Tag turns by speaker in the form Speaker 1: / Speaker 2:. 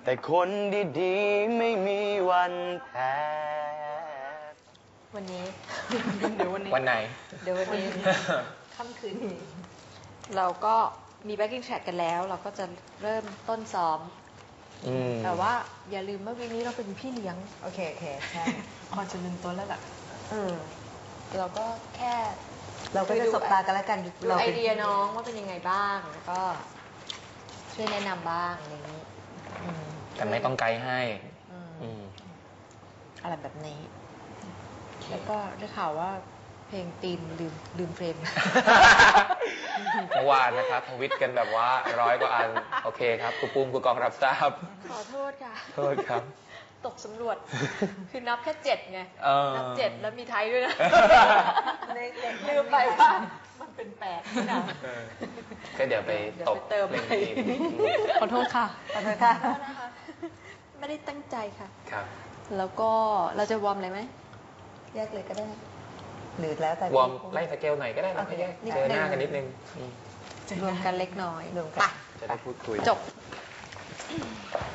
Speaker 1: แต่คนดีๆไม่มีวันแพ้
Speaker 2: วันนี้
Speaker 3: เดี๋ยววันนี้
Speaker 4: วันไหน
Speaker 2: เดี๋ยววันนี้
Speaker 3: ค่ำคืนนี้
Speaker 2: เราก็มี backing track กันแล้ว เราก็จะเริ่มต้นซ้อม แต่ว่าอย่าลืมว่าวีคนี้เราเป็นพี่เลี้ยง
Speaker 3: โอเคใช่พอจะลืมตัวแล้วล่ะ
Speaker 2: เราก็แค่
Speaker 3: เราก็จะสบตากันแล้วกัน
Speaker 2: ดู
Speaker 3: เรา
Speaker 2: ไอ
Speaker 3: เป็น
Speaker 2: เดียน้องว่าเป็นยังไงบ้าง แล้วก็ช่วยแนะนำบ้างอะไรอย่างนี้
Speaker 4: แต่ไม่ต้องไกด์ให้
Speaker 2: อะไรแบบนี้ แล้วก็ได้ข่าวว่าเพลงตีมลืมเฟรม
Speaker 4: เมื่อวานนะครับทวิตกันแบบว่า100 กว่าอัน โอเคครับครูปุ้มครูกองรับทราบ
Speaker 2: ขอโทษค่ะ
Speaker 4: โทษครับ
Speaker 2: ตกสำรวจ คือนับแค่7ไง นับ7แล้วมีไทยด้วยนะ ลืมไปว่ามันเป็น8นี่นะ
Speaker 4: ก็เดี๋ยวไปตบ
Speaker 2: เติม
Speaker 4: เล่น
Speaker 2: ไป
Speaker 4: ทีม
Speaker 3: ขอโทษค่ะ ขอโทษค่ะ
Speaker 2: นะคะไม่ได้ตั้งใจค่ะ
Speaker 4: ครับ
Speaker 2: แล้วก็เราจะวอร์มอะไรไหมแยกเลยก็ได้
Speaker 3: หรือแล้วแต่
Speaker 4: วอร์มไล่สเกลหน่อยก็ได้นะไม่แยกเจอหน้ากันนิดนึง
Speaker 2: รวมกันเล็กน้อย
Speaker 3: รวมกัน
Speaker 2: ไป
Speaker 4: จะได้พูดคุย
Speaker 2: จบ